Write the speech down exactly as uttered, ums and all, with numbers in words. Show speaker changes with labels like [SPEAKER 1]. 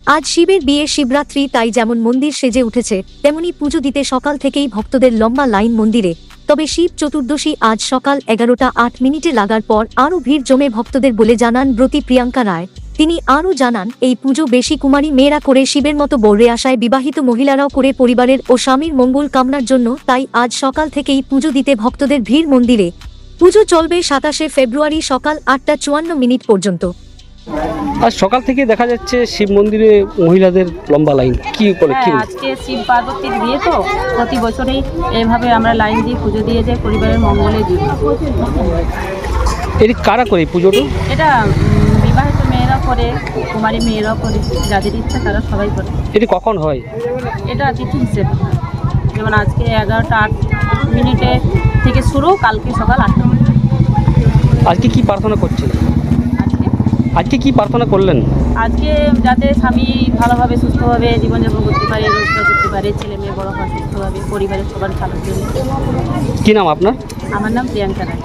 [SPEAKER 1] আজ শিবের বিয়ে শিবরাত্রি, তাই যেমন মন্দির সেজে উঠেছে তেমনি পুজো দিতে সকাল থেকেই ভক্তদের লম্বা লাইন মন্দিরে। তবে শিব চতুর্দশী আজ সকাল এগারোটা আট মিনিটে লাগার পর আরও ভিড় জমে ভক্তদের বলে জানান ব্রতী প্রিয়াঙ্কা রায়। তিনি আরও জানান, এই পুজো বেশি কুমারী মেয়েরা করে শিবের মতো বর্রে আসায় বিবাহিত মহিলারাও করে পরিবারের ও স্বামীর মঙ্গল কামনার জন্য, তাই আজ সকাল থেকেই পুজো দিতে ভক্তদের ভিড় মন্দিরে। পুজো চলবে সাতাশে ফেব্রুয়ারি সকাল আটটা চুয়ান্ন মিনিট পর্যন্ত।
[SPEAKER 2] আজ সকাল থেকে দেখা যাচ্ছে শিব মন্দিরে মহিলাদের লম্বা লাইন, কি করে কি?
[SPEAKER 3] হ্যাঁ, আজকে শিব পার্বতীর বিয়ে তো প্রতি বছরেই এইভাবে আমরা লাইন দিয়ে পুজো দিয়ে যাই পরিবারের মঙ্গলের জন্য।
[SPEAKER 2] এটি কারা করে এই পুজোটা?
[SPEAKER 3] এটা উম, বিবাহিত মেয়েরা করে, কুমারী মেয়েরাও করে, যাদের ইচ্ছা তারা সবাই করে।
[SPEAKER 2] এটি কখন হয়?
[SPEAKER 3] এটা তিথি হিসেবে, যেমন আজকে এগারোটা আট মিনিটে থেকে শুরু, কালকে সকাল আটটা মিনিট।
[SPEAKER 2] আজকে কি প্রার্থনা করছেন?
[SPEAKER 3] আজকে
[SPEAKER 2] আজকে কি প্রার্থনা করলেন?
[SPEAKER 3] আজকে যাতে স্বামী ভালোভাবে সুস্থভাবে জীবনযাপন করতে পারে, রোজগার করতে পারে, ছেলে মেয়ে বড় হয় সুস্থভাবে, পরিবারের সবার ভালোর জন্য।
[SPEAKER 2] কি নাম আপনার?
[SPEAKER 3] আমার নাম প্রিয়াঙ্কা রায়।